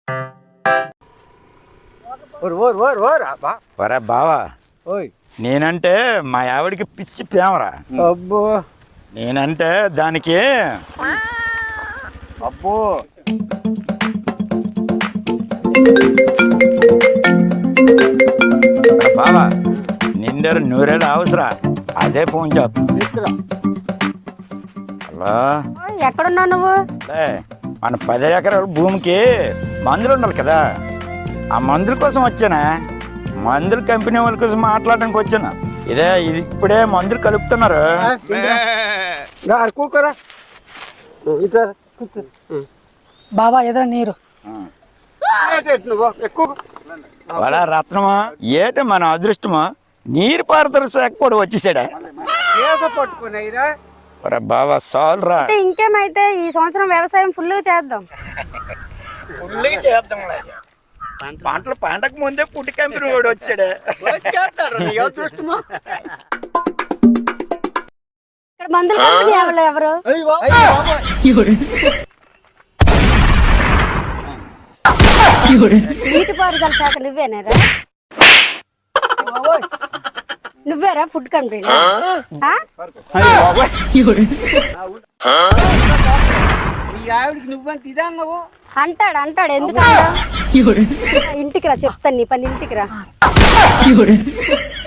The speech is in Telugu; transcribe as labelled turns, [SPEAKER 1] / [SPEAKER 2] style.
[SPEAKER 1] ఒరే బావా, నేనంటే మా ఆవిడికి పిచ్చి ప్రేమరా.
[SPEAKER 2] అబ్బో
[SPEAKER 1] నేనంటే దానికి
[SPEAKER 2] అబ్బో
[SPEAKER 1] బావా నిండరు నూరేళ్ళు అవసరా. అదే ఫోన్ చేస్తుంది. హలో,
[SPEAKER 3] ఎక్కడున్నావు నువ్వు?
[SPEAKER 1] మన 10 ఎకరాల భూమికి మందులు ఉండాలి కదా, ఆ మందుల కోసం వచ్చానా. మందుల కంపెనీ వాళ్ళ కోసం మాట్లాడడానికి వచ్చాను. ఇది ఇప్పుడే మందులు కలుపుతున్నారు.
[SPEAKER 2] కూకరా
[SPEAKER 4] బాబా ఎదుర నీరు
[SPEAKER 1] వాళ్ళ రత్నమా ఏట మన అదృష్టమా, నీరు పారుదల శాఖ కూడా వచ్చేసాడా.
[SPEAKER 2] పట్టుకున్నాయిరా
[SPEAKER 1] బాబా సాల్రా,
[SPEAKER 3] ఇంకేమైతే ఈ సంవత్సరం వ్యవసాయం ఫుల్గా చేద్దాం.
[SPEAKER 1] చేద్దాం. పంటలు పంటకు ముందే పుట్టి కంపెనీ కూడా వచ్చాడు.
[SPEAKER 3] ఇక్కడ మందుల కంపెనీ ఎవరు? నీటిపారుదల శాఖ నువ్వేనారా? నువ్వేరా ఫుడ్ కంపెనీ?
[SPEAKER 2] నువ్వంత ఇదా అన్నావు
[SPEAKER 3] అంటాడు ఎందుకు? ఇంటికి రా చెప్తాను నీ పని. ఇంటికి రా.